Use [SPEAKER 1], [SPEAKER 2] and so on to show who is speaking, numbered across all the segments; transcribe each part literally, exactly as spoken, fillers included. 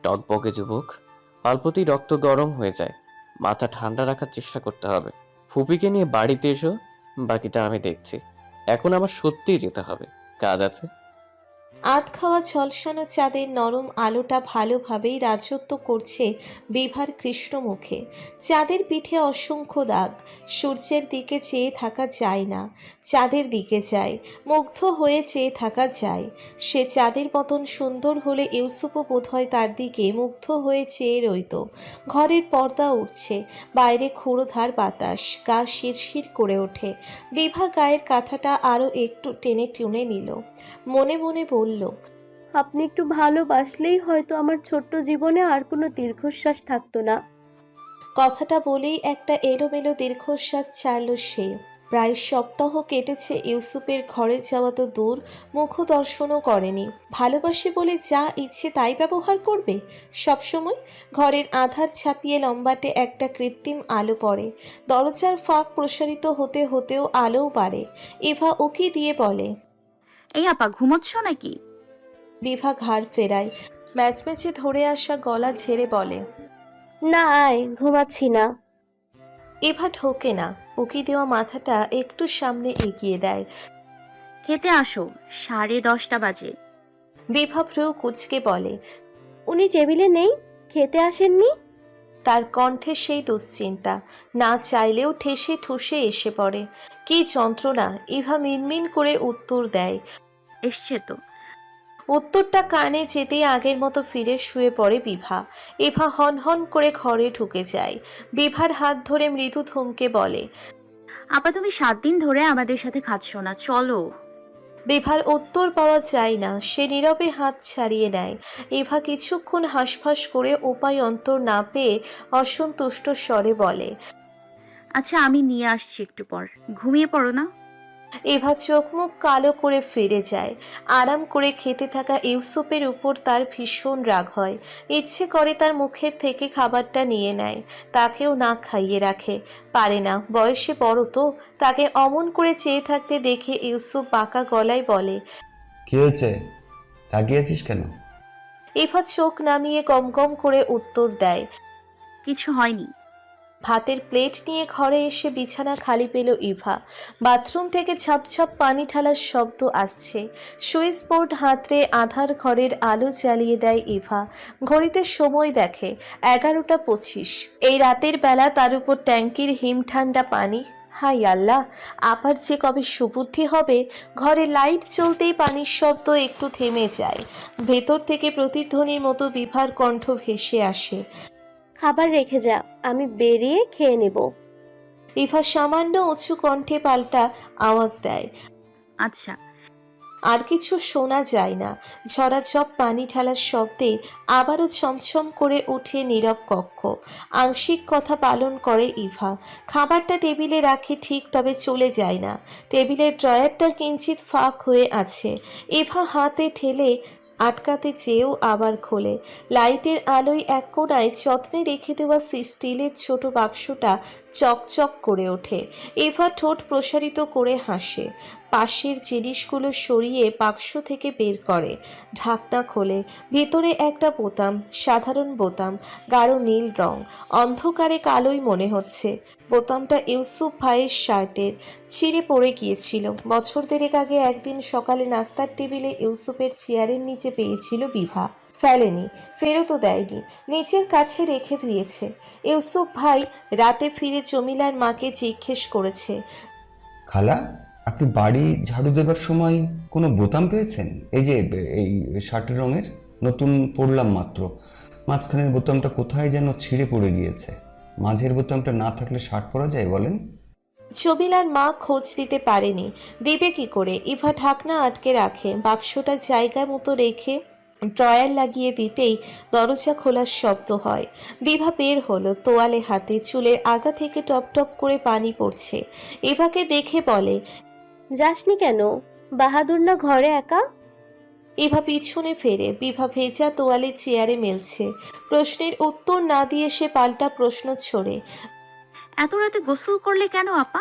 [SPEAKER 1] টকবকে যুবক। অল্পতেই রক্ত গরম হয়ে যায়। মাথা ঠান্ডা রাখার চেষ্টা করতে হবে। ফুপিকে নিয়ে বাড়িতে এসো, বাকিটা আমি দেখছি। এখন আমার সত্যিই যেতে হবে, কাজ আছে।
[SPEAKER 2] আধ খাওয়া ঝলসানো চাঁদের নরম আলোটা ভালোভাবেই রাজত্ব করছে বিভার কৃষ্ণ মুখে। চাঁদের পিঠে অসংখ্য দাগ। সূর্যের দিকে চেয়ে থাকা যায় না, চাঁদের দিকে যায়। মুগ্ধ হয়ে চেয়ে থাকা যায়। সে চাঁদের মতন সুন্দর হলে ইউসুফও বোধহয় তার দিকে মুগ্ধ হয়ে চেয়ে রইত। ঘরের পর্দা উঠছে, বাইরে ক্ষুরোধার বাতাস, গা শিরশির করে ওঠে। বিভা গায়ের কাঁথাটা আরও একটু টেনে টুনে নিল। মনে মনে বলল,
[SPEAKER 3] আপনি একটু ভালোবাসলেই হয়তো আমার ছোট্ট জীবনে আর কোনো দীর্ঘশ্বাস থাকতো না।
[SPEAKER 2] কথাটা বলেই একটা এলোমেলো দীর্ঘশ্বাস ছাড়ল সে। প্রায় সপ্তাহ কেটেছে ইউসুফের ঘরে যাওয়া তো দূর, মুখ দর্শনও করেনি। ভালোবাসে বলে যা ইচ্ছে তাই ব্যবহার করবে সবসময়। ঘরের আধার ছাপিয়ে লম্বাটে একটা কৃত্রিম আলো পড়ে। দরজার ফাঁক প্রসারিত হতে হতেও আলোও বাড়ে। ইভা উকি দিয়ে বলে,
[SPEAKER 4] এই আপা ঘুমোচ্ছ নাকি?
[SPEAKER 2] বিভা ঘাড় ফেরায়। ম্যাচমেচে ধরে আসা গলা ঝেড়ে বলে,
[SPEAKER 3] না, আয়, ঘুমাচ্ছি না।
[SPEAKER 2] এভা ঢোকে না। উকি দেওয়া মাথাটা একটু সামনে এগিয়ে দেয়।
[SPEAKER 4] খেতে আসো, সাড়ে দশটা বাজে।
[SPEAKER 2] বিভা ভ্রু কুঁচকে বলে,
[SPEAKER 3] উনি টেবিলে নেই? খেতে আসেননি?
[SPEAKER 2] তার কণ্ঠে সেই দুশ্চিন্তা। না চাইলেও ঠেসে ঠুসে এসে পড়ে। কি যন্ত্রণা! ইভা মিনমিন করে উত্তর দেয়।
[SPEAKER 4] এসছে তো।
[SPEAKER 2] উত্তরটা কানে যেতেই আগের মতো ফিরে শুয়ে পড়ে বিভা। ইভা হন হন করে ঘরে ঢুকে যায়। বিভার হাত ধরে মৃদু থমকে বলে,
[SPEAKER 4] আপা তুমি সাত দিন ধরে আমাদের সাথে খাচ্ছ না, চলো।
[SPEAKER 2] বিভার উত্তর পাওয়া যায় না। সে নীরবে হাত ছাড়িয়ে নেয়। ইভা কিছুক্ষণ হাঁসফাঁস করে উপায় অন্তর না পেয়ে অসন্তুষ্ট স্বরে বলে,
[SPEAKER 4] আচ্ছা আমি নিয়ে আসছি একটু পর, ঘুমিয়ে পড়ো না।
[SPEAKER 2] ইভা চোখ মুখ কালো করে ফিরে যায়। আরাম করে খেতে থাকা ইউসুফের উপর তার ভীষণ রাগ হয়। ইচ্ছে করে তার মুখের থেকে খাবারটা নিয়ে নেয়, তাকেও না খাইয়ে রাখে। পারে না, বয়সে বড় তো। তাকে অমন করে চেয়ে থাকতে দেখে ইউসুফ বাঁকা গলায় বলে,
[SPEAKER 5] কি হয়েছে, তাকিয়েছিস কেন?
[SPEAKER 2] ইভা চোখ নামিয়ে গম গম করে উত্তর দেয়।
[SPEAKER 4] কিছু হয়নি।
[SPEAKER 2] ভাতের প্লেট নিয়ে ঘরে এসে বিছানা খালি পেল ইভা। বাথরুম থেকে ঝাপঝাপ পানি ঢালার শব্দ আসছে। সুইচ বোর্ড হাতড়ে আধার ঘরের আলো জ্বালিয়ে দেয় ইভা। ঘড়িতে সময় দেখে এগারোটা পঁচিশ। এই রাতের বেলা তার উপর ট্যাঙ্কির হিম ঠান্ডা পানি। হাই আল্লাহ, আবার যে কবে সুবুদ্ধি হবে। ঘরে লাইট চলতেই পানির শব্দ একটু থেমে যায়। ভেতর থেকে প্রতিধ্বনির মতো বিভার কণ্ঠ ভেসে আসে,
[SPEAKER 3] খাবার রেখে যা, আমি বেরিয়ে খেয়ে নেব।
[SPEAKER 2] ইভা সামান্য উঁচু কণ্ঠে পাল্টা আওয়াজ দেয়।
[SPEAKER 4] আচ্ছা।
[SPEAKER 2] আর কিছু শোনা যায় না। ঝরাঝপ পানি ঢালার শব্দে আবারও ছমছম করে উঠে নীরব কক্ষ। আংশিক কথা পালন করে ইভা। খাবারটা টেবিলে রাখে ঠিক, তবে চলে যায় না। টেবিলের ড্রয়ারটা কিঞ্চিত ফাঁক হয়ে আছে। ইভা হাতে ঠেলে আটকাতে চেয়েও আবার খোলে। লাইটের আলোয় এক কোণায় যত্নে রেখে দেওয়া স্টিলের ছোট বাক্সটা চকচক করে ওঠে। ইভা ঠোঁট প্রসারিত করে হাসে। পাশের জিনিসগুলো সরিয়ে বাক্স থেকে বের করে, ঢাকনা খোলে। ভিতরে একটা বোতাম, সাধারণ বোতাম, গাঢ় নীল রং। অন্ধকারে কালোই মনে হচ্ছে। বোতামটা ইউসুফ ভাইয়ের শার্টের, ছিঁড়ে পড়ে গিয়েছিল। বছর দেড়েক আগে একদিন সকালে নাস্তার টেবিলে ইউসুফের চেয়ারের নিচে পেয়েছিল বিভা। ফেলেনি, ফেরতও দেয়নি, নিচের কাছে রেখে দিয়েছে। ইউসুফ ভাই রাতে ফিরে জমিলার মাকে জিজ্ঞেস করেছে,
[SPEAKER 5] খালা, আপনি বাড়ি ঝাড়ু দেবার সময় কোনো বোতাম পেয়েছেন? এই যে এই শার্টের রঙের, নতুন পরলাম মাত্র। মাঝখানের বোতামটা কোথায় যেন ছিঁড়ে পড়ে গিয়েছে। মাঝের বোতামটা না থাকলে শার্ট পরা যায় বলেন?
[SPEAKER 2] জমিলার মা খোঁজ দিতে পারেনি, দিবে কি করে। ইভা ঢাকনা আটকে রাখে, বাক্সটা জায়গা মতো রেখে ড্রয়ার লাগিয়ে দিতেই দরজা খোলার শব্দ হয়। বিভা বের হলো, তোয়ালে হাতে, চুলের আগা থেকে টপ টপ করে পানি পড়ছে। ইভাকে দেখে বলে,
[SPEAKER 3] যাসনি কেন? বাহাদুর না ঘরে একা?
[SPEAKER 2] ইভা পিছনে ফেরে। বিভা ভেজা তোয়ালে চেয়ারে মেলছে। প্রশ্নের উত্তর না দিয়ে সে পাল্টা প্রশ্ন ছড়ে,
[SPEAKER 4] এত রাতে গোসল করলে কেন আপা?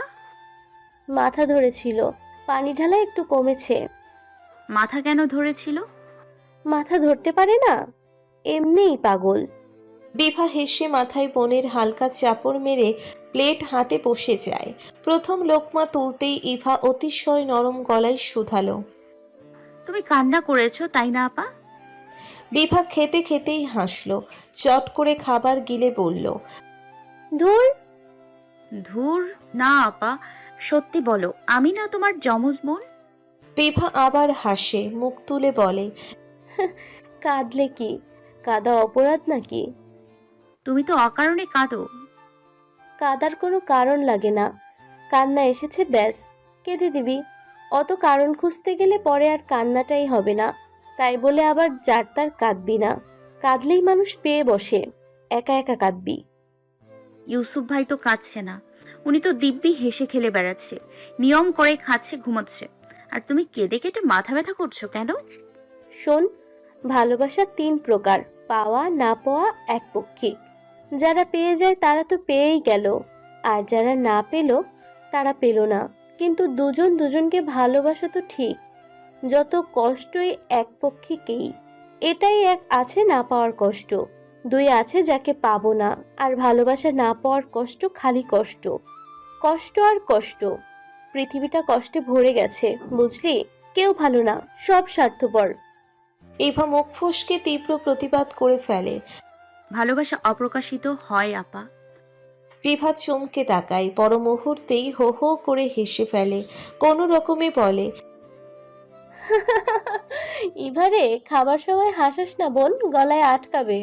[SPEAKER 3] মাথা ধরেছিল, পানি ঢালা একটু কমেছে।
[SPEAKER 4] মাথা কেন ধরেছিল?
[SPEAKER 3] মাথা ধরতে পারে না? এমনিই পাগল।
[SPEAKER 2] বিভা হেসে মাথায় বোনের হালকা চাপড় মেরে প্লেট হাতে বসে যায়। প্রথম লোকমা তুলতেই ইভা অতিশয় নরম গলায় শুধালো।
[SPEAKER 4] তুমি কান্না করেছো তাই না আপা?
[SPEAKER 2] বিভা খেতে খেতেই হাসলো, চট করে খাবার গিলে বলল।
[SPEAKER 3] ধুর,
[SPEAKER 4] ধুর না আপা, সত্যি বলো আমি না তোমার যমজ বোন?
[SPEAKER 2] বিভা আবার হাসে, মুখ তুলে বলে।
[SPEAKER 3] কাঁদলে কি? কাঁদা অপরাধ নাকি?
[SPEAKER 4] তুমি তো অকারণে কাঁদো।
[SPEAKER 3] কাঁদার কোনো কারণ লাগে না, কান্না এসেছে ব্যাস কেঁদে দিবি। অত কারণ খুঁজতে গেলে পরে আর কান্নাটাই হবে না। তাই বলে আবার যার তার কাঁদবি না। কাঁদলেই মানুষ পেয়ে বসে, একা একা কাঁদবি।
[SPEAKER 4] ইউসুফ ভাই তো কাঁদছে না, উনি তো দিব্যি হেসে খেলে বেড়াচ্ছে, নিয়ম করে খাচ্ছে, ঘুমাচ্ছে। আর তুমি কেঁদে কেটে মাথা ব্যথা করছো কেন?
[SPEAKER 3] শোন, ভালোবাসা তিন প্রকার, পাওয়া না পাওয়া একপক্ষিক। যারা পেয়ে যায় তারা তো পেয়েই গেল, আর যারা না পেল তারা পেল না। কিন্তু দুজন দুজনকে ভালোবাসা তো ঠিক, যত কষ্টই একপক্ষিকেই। এটাই এক আছে না পাওয়ার কষ্ট, দুই আছে যাকে পাবো না। আর ভালোবাসা না পাওয়ার কষ্ট খালি কষ্ট, কষ্ট আর কষ্ট। পৃথিবীটা কষ্টে ভরে গেছে, বুঝলি? কেউ ভালো না, সব স্বার্থপর।
[SPEAKER 2] ইভা মুখ ফসকে তীব্র প্রতিবাদ করে ফেলে।
[SPEAKER 4] ভালোবাসা অপ্রকাশিত হয় আপা।
[SPEAKER 2] বিভা চমকে তাকায়, পর মুহূর্তেই হো হো করে হেসে ফেলে, কোনো রকমে বলে।
[SPEAKER 3] এবারে খাবার সময় হাসাস না বোন, গলায় আটকাবে।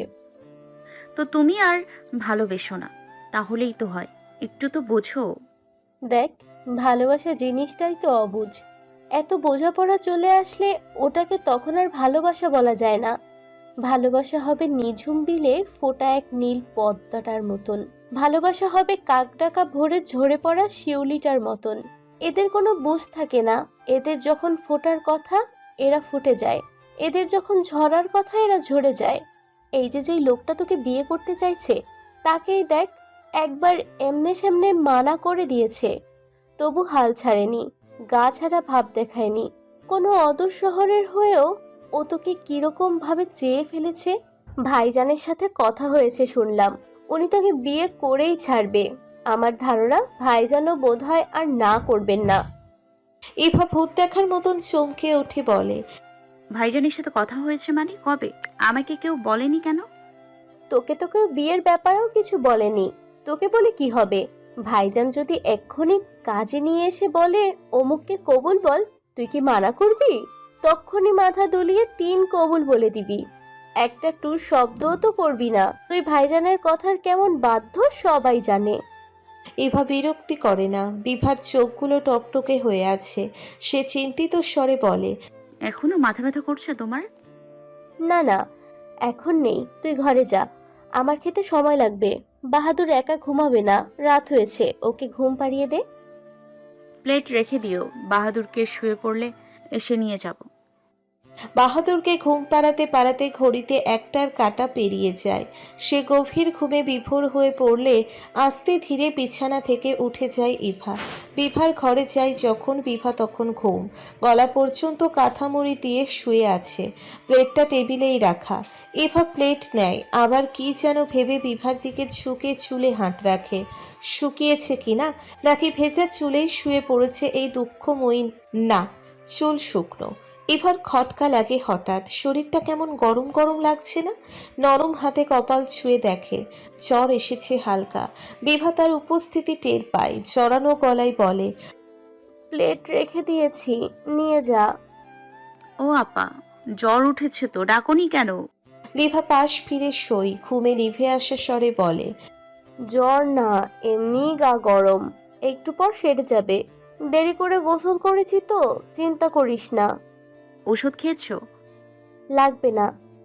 [SPEAKER 4] তো তুমি আর ভালোবেসো না, তাহলেই তো হয়। একটু তো বোঝো।
[SPEAKER 3] দেখ, ভালোবাসা জিনিসটাই তো অবুঝ। এত বোঝাপড়া চলে আসলে ওটাকে তখন আর ভালোবাসা বলা যায় না। ভালোবাসা হবে নিঝুম বিলে ফোটা এক নীল পদ্মাটার মতন। ভালোবাসা হবে কাকডাকা ভরে ঝরে পড়া শিউলিটার মতন। এদের কোনো বুঝ থাকে না। এদের যখন ফোটার কথা এরা ফুটে যায়, এদের যখন ঝরার কথা এরা ঝরে যায়। এই যে যেই লোকটা তোকে বিয়ে করতে চাইছে, তাকেই দেখ, একবার এমনে সামনে মানা করে দিয়েছে, তবু হাল ছাড়েনি, গা ছাড়া ভাব দেখায়নি। কোনো অদূর শহরের হয়েও ও তোকে কিরকম ভাবে চেয়ে ফেলেছে। ভাইজানের সাথে কথা হয়েছে শুনলাম, উনি তোকে বিয়ে করেই ছাড়বে। আমার ধারণা ভাইজানও বোধহয় আর না করবেন না।
[SPEAKER 2] ইভা ভূত দেখার মতন চমকে উঠে বলে।
[SPEAKER 4] ভাইজানের সাথে কথা হয়েছে মানে কবে? আমাকে কেউ বলেনি কেন?
[SPEAKER 3] তোকে তো কেউ বিয়ের ব্যাপারেও কিছু বলেনি। তোকে বলে কি হবে? ভাইজান যদি এক্ষুনি কাজে নিয়ে এসে বলে অমুককে কবুল বল, তুই কি মানা করবি? তক্ষুনি মাথা দুলিয়ে তিন কবুল বলে দিবি, একটা টু শব্দও তো করবি না। তুই ভাইজানের কথার কেমন বাধ্য সবাই জানে।
[SPEAKER 2] ইভা বিরক্তি করে না, বিভার চোখগুলো টকটকে হয়ে আছে। সে চিন্তিত স্বরে বলে।
[SPEAKER 4] এখনো মাথা ব্যথা করছে তোমার?
[SPEAKER 3] না না, এখন নেই, তুই ঘরে যা, আমার খেতে সময় লাগবে। বাহাদুর একা ঘুমাবে না, রাত হয়েছে, ওকে ঘুম পাড়িয়ে দে।
[SPEAKER 4] প্লেট রেখে দিও, বাহাদুরকে শুয়ে পড়লে এসে নিয়ে যাব।
[SPEAKER 2] বাহাদুরকে ঘুম পাড়াতে পাড়াতে ঘড়িতে একটার কাঁটা পেরিয়ে যায়। সে গভীর ঘুমে বিভোর হয়ে পড়লে আস্তে ধীরে বিছানা থেকে উঠে যায় ইভা। বিভার ঘরে যায় যখন, বিভা তখন ঘুম, গলা পর্যন্ত কাঁথামুড়ি দিয়ে শুয়ে আছে। প্লেটটা টেবিলেই রাখা। ইভা প্লেট নেয়, আবার কি যেন ভেবে বিভার দিকে ঝুঁকে চুলে হাত রাখে। শুকিয়েছে কিনা, নাকি ভেজা চুলেই শুয়ে পড়েছে এই দুঃখময়ী? না, চুল শুকনো। ইভার খটকা লাগে হঠাৎ, শরীরটা কেমন গরম গরম লাগছে না? নরম হাতে কপাল ছুঁয়ে দেখে জ্বর এসেছে হালকা। বিভা তার উপস্থিতি টের পায়, জড়ানো গলায় বলে।
[SPEAKER 3] প্লেট রেখে দিয়েছি, নিয়ে যা।
[SPEAKER 4] ও আপা, জ্বর উঠেছে তো, ডাকনি কেন?
[SPEAKER 2] বিভা পাশ ফিরে সই ঘুমে নিভে আসা স্বরে বলে।
[SPEAKER 3] জ্বর না, এমনি গা গরম, একটু পর সেরে যাবে। দেরি করে গোসল করেছি তো, চিন্তা করিস না।
[SPEAKER 4] ওষুধ খেয়েছো?
[SPEAKER 3] লাগবে না।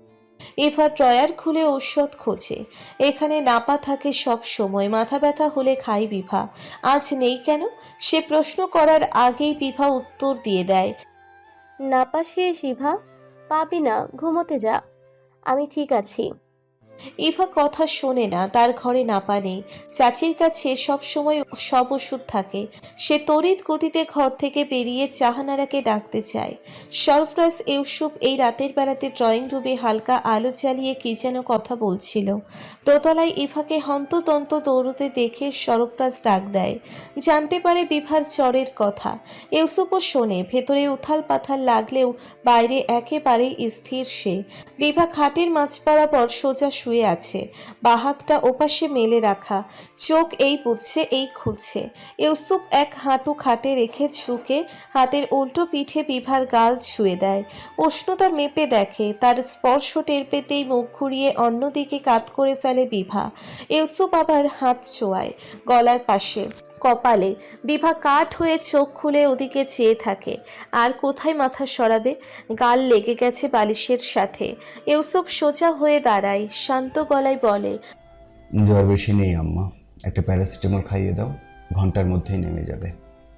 [SPEAKER 2] ইভা ড্রয়ার খুলে ঔষধ খোঁজে। এখানে নাপা থাকে সব সময়, মাথা ব্যথা হলে খাই বিভা। আজ নেই কেন? সে প্রশ্ন করার আগেই বিভা উত্তর দিয়ে দেয়।
[SPEAKER 3] না পা শেষ ইভা, পাবি না, ঘুমোতে যা, আমি ঠিক আছি।
[SPEAKER 2] ইভা কথা শোনে না, তার ঘরে নাপা নেই। চাচির কাছে সব সময় সব ওষুধ থাকে। সে তড়িৎ গতিতে ঘর থেকে বেরিয়ে জাহানারাকে ডাকতে চায়। সরফরাজ ইউসুফ এই রাতের বেলাতে ড্রয়িং রুমে হালকা আলো জ্বালিয়ে কি যেন কথা বলছিল। দোতলায় ইভাকে হন্তদন্ত দৌড়তে দেখে সরফরাজ ডাক দেয়। জানতে পারে বিভার জ্বরের কথা। ইউসুফও শোনে। ভেতরে উথাল পাথাল লাগলেও বাইরে একেবারেই স্থির সে। বিভা খাটের মাঝ বরাবর সোজা শুয়ে আছে, বাহাতটা ওপাশে মেলে রাখা, চোখ এই বুঝছে এই খুলছে। ইউসুফ এক হাঁটু খাটে রেখে ঝুঁকে হাতের উল্টো পিঠে বিভার গাল ছুঁয়ে দেয়। উষ্ণতা মেপে দেখে, তার স্পর্শ টের পেতেই মুখ ঘুরিয়ে অন্যদিকে কাত করে ফেলে বিভা। ইউসুফ আবার হাত ছোঁয়ায় গলার পাশে, কপালে। বিভা কাঠ হয়ে চোখ খুলে ওদিকে চেয়ে থাকে। আর কোথায় মাথা সরাবে? গাল লেগে গেছে বালিশের সাথে। ইউসুফ সোজা হয়ে দাঁড়ায়, শান্ত গলায় বলে,
[SPEAKER 5] জ্বর বেশি নেই আম্মা, একটা প্যারাসিটামল খাইয়ে দাও, ঘন্টার মধ্যেই নেমে যাবে।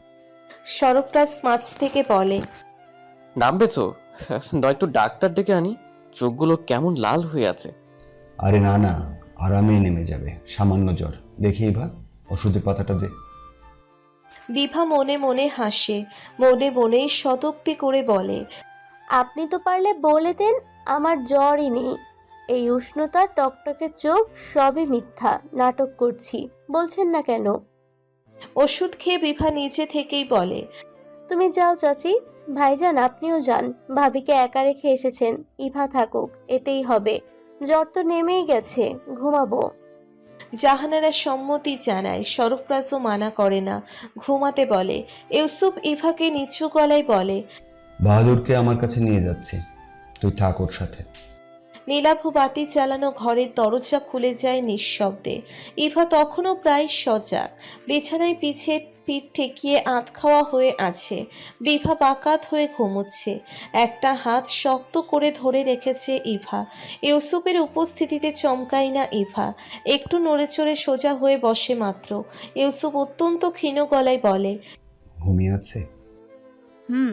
[SPEAKER 2] সরফরাজ মাছ থেকে বলে,
[SPEAKER 1] নামবে তো? নয়তো ডাক্তার ডেকে আনি। চোখগুলো কেমন লাল হয়ে আছে।
[SPEAKER 5] আরে না না, আরামে নেমে যাবে, সামান্য জ্বর। দেখেই ভা, ওষুধের পাতাটা দে।
[SPEAKER 2] বিভা মনে মনে হাসে, মনে মনেই সদুক্তি করে বলে,
[SPEAKER 3] আপনি তো পারলে বলে দেন আমার জ্বরই নেই। এই উষ্ণতা, টকটকে চোখ সবই মিথ্যা, নাটক করছি। বলছেন না কেন?
[SPEAKER 2] ওষুধ খেয়ে বিভা নিচে থেকেই বলে,
[SPEAKER 3] তুমি যাও চাচি। ভাইজান আপনিও যান, ভাবিকে একা রেখে এসেছেন। ইভা থাকুক, এতেই হবে। জ্বর তো নেমেই গেছে, ঘুমাবো।
[SPEAKER 2] জাহানারা সম্মতি জানায়। সরফরাজও মানা করে না, ঘুমাতে বলে। ইউসুফ ইভাকে নিচু গলায় বলে,
[SPEAKER 5] বাহাদুরকে আমার কাছে নিয়ে যাচ্ছি, তুই থাক ওর সাথে।
[SPEAKER 2] নীলাভ বাতি চালানো ঘরের দরজা খুলে যায় নিঃশব্দে। ইভা তখনও প্রায় সজাগ, বিছানায় পিছে পিঠ ঠেকিয়ে আধ খাওয়া হয়ে আছে। বিভা বাকাত হয়ে ঘুমোচ্ছে, একটা হাত শক্ত করে ধরে রেখেছে ইভা। ইউসুফের উপস্থিতিতে চমকায় না ইভা, একটু নড়েচড়ে সোজা হয়ে বসে মাত্র। ইউসুফ অত্যন্ত ক্ষীণ গলায় বলে,
[SPEAKER 5] ঘুমিয়ে আছে?
[SPEAKER 4] হুম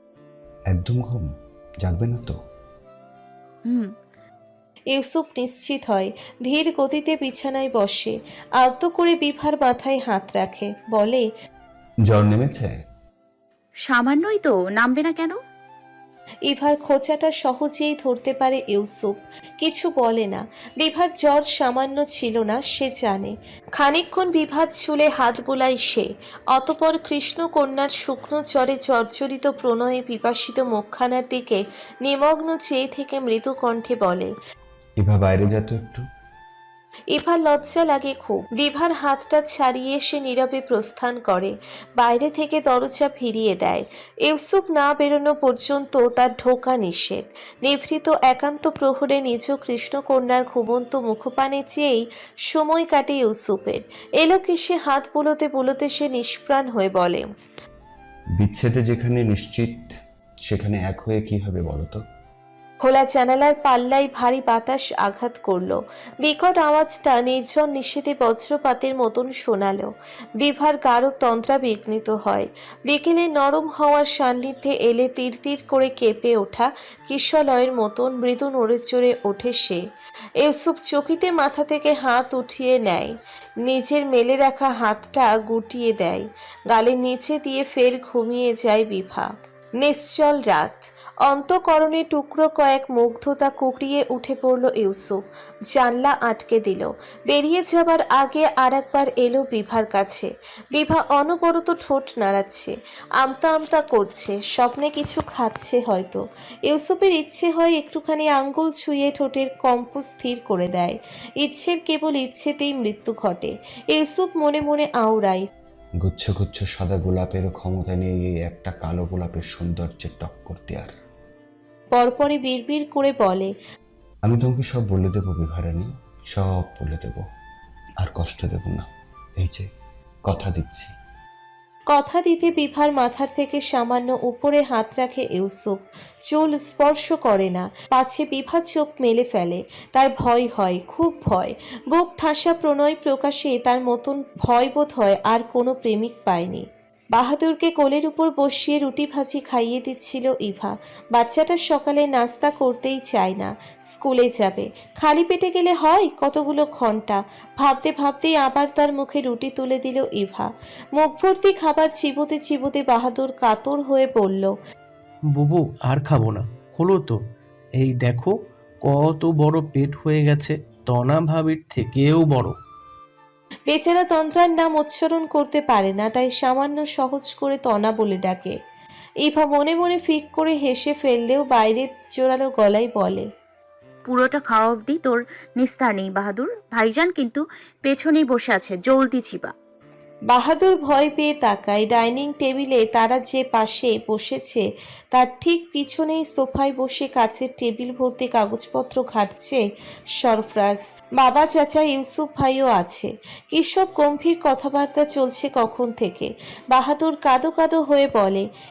[SPEAKER 5] একদম ঘুম, জাগবে না তো?
[SPEAKER 4] হুম
[SPEAKER 2] ইউসুফ নিশ্চিত হয়, ধীর গতিতে বিছানায় বসে, আলতো করে বিভার মাথায় হাত রাখে, বলে,
[SPEAKER 5] জ্বর নেমেছে?
[SPEAKER 4] সামান্যই তো, নামবে না কেন?
[SPEAKER 2] ইভার খোঁচাটা সহজেই ধরতে পারে ইউসুফ, কিছু বলে না। বিভার জ্বর সামান্য ছিল না, সে জানে। খানিকক্ষণ বিভার চুলে হাত বোলায় সে, অতপর কৃষ্ণকন্যার শুকনো জ্বরে জর্জরিত প্রণয়ে পিপাসিত মুখখানার দিকে নিমগ্ন চেয়ে থেকে মৃদু কণ্ঠে বলে,
[SPEAKER 5] এভা বাইরে যা তো একটু।
[SPEAKER 2] ইভার লজ্জা লাগে খুব। বিভার হাতটা ছাড়িয়ে সে নীরবে প্রস্থান করে, বাইরে থেকে দরজা ফিরিয়ে দেয়। ইউসুফ না বেরোনো পর্যন্ত তার ঢোকা নিষেধ। নিভৃত একান্ত প্রহরে নিজ কৃষ্ণকন্যার ঘুমন্ত মুখপানে চেয়েই সময় কাটে ইউসুফের। এলো কি সে হাত বুলোতে বুলোতে সে নিষ্প্রাণ হয়ে বলে,
[SPEAKER 5] বিচ্ছেদে যেখানে নিশ্চিত, সেখানে এক হয়ে কি হবে বলো তো?
[SPEAKER 2] খোলা জানালার পাল্লায় ভারী বাতাস আঘাত করলো। বিকট আওয়াজটা নির্জন নিষেধে বজ্রপাতের মতন শোনালো। বিভার গাঢ় তন্দ্রা বিঘ্নিত হয়। বিকেলে নরম হওয়ার সান্নিধ্যে এলে তীর তীর করে কেঁপে ওঠা কিশলয়ের মতন মৃদু নড়ে চড়ে ওঠে সে। ইউসুফ চকিতে মাথা থেকে হাত উঠিয়ে নেয়, নিজের মেলে রাখা হাতটা গুটিয়ে দেয়, গালের নিচে দিয়ে ফের ঘুমিয়ে যায় বিভা। নিশ্চল রাত, অন্তঃকরণে টুকরো কয়েক মুগ্ধতা কুকড়িয়ে উঠে পড়ল ইউসুফ। জানলা আটকে দিল। বেরিয়ে যাবার আগে আর একবার এলো বিভার কাছে। বিভা অনবরত ঠোঁট নাড়াচ্ছে, আমতা আমতা করছে, স্বপ্নে কিছু খাচ্ছে হয়তো। ইউসুফের ইচ্ছে হয় একটুখানি আঙ্গুল ছুঁয়ে ঠোঁটের কম্প স্থির করে দেয়। ইচ্ছের কেবল ইচ্ছেতেই মৃত্যু ঘটে। ইউসুফ মনে মনে আওড়ায়,
[SPEAKER 5] গুচ্ছ গুচ্ছ সাদা গোলাপেরও ক্ষমতা নেই এই একটা কালো গোলাপের সৌন্দর্যের টক্কর দেওয়ার।
[SPEAKER 2] পরপরে বিড়বিড় করে বলে,
[SPEAKER 5] আমি তোমাকে সব বলে দেবো বিভারানী, সব বলে দেব, আর কষ্ট দেব না, এই যে কথা দিচ্ছি।
[SPEAKER 2] কথা দিতে বিভার মাথার থেকে সামান্য উপরে হাত রাখে ইউসুফ, চুল স্পর্শ করে না, পাছে বিভা চোখ মেলে ফেলে। তার ভয় হয়, খুব ভয়। বুক ঠাসা প্রণয় প্রকাশে তার মতন ভয় বোধ হয় আর কোনো প্রেমিক পায়নি। বাহাদুরকে কোলের উপর বসিয়ে রুটি ভাজি খাইয়ে দিচ্ছিল ইভা। বাচ্চাটা সকালে নাস্তা করতেই চায় না, স্কুলে যাবে। খালি পেটে গেলে হয় কতগুলো ঘন্টা। ভাবতে ভাবতেই আবার তার মুখে রুটি তুলে দিল ইভা। মুখ ভর্তি খাবার চিবোতে চিবোতে বাহাদুর কাতর হয়ে বলল,
[SPEAKER 6] বুবু আর খাবো না, হলো তো। এই দেখো কত বড় পেট হয়ে গেছে, তনা ভাবির থেকেও বড়।
[SPEAKER 2] বেচারা তন্ত্রার নাম উচ্চারণ করতে পারে না, তাই সামান্য সহজ করে তনা বলে ডাকে। ইভা মনে মনে ফিক করে হেসে ফেললেও বাইরে জোরালো গলায় বলে,
[SPEAKER 4] পুরোটা খাওয়া অবধি তোর নিস্তার নেই বাহাদুর। ভাইজান কিন্তু পেছনেই বসে আছে, জলদি চিবা।
[SPEAKER 2] বাহাদুর ভয় পেয়ে তাকায়। ডাইনিং টেবিলে তারা যে পাশে বসেছে তার ঠিক পিছনেই সোফায় বসে কাছের টেবিল ভর্তি কাগজপত্র ঘাটছে সরফরাজ। বাবা চাচা ইউসুফ ভাইও আছে। কি সব গম্ভীর কথাবার্তা চলছে কখন থেকে। বাহাদুর কাদো কাদো হয়ে বলে,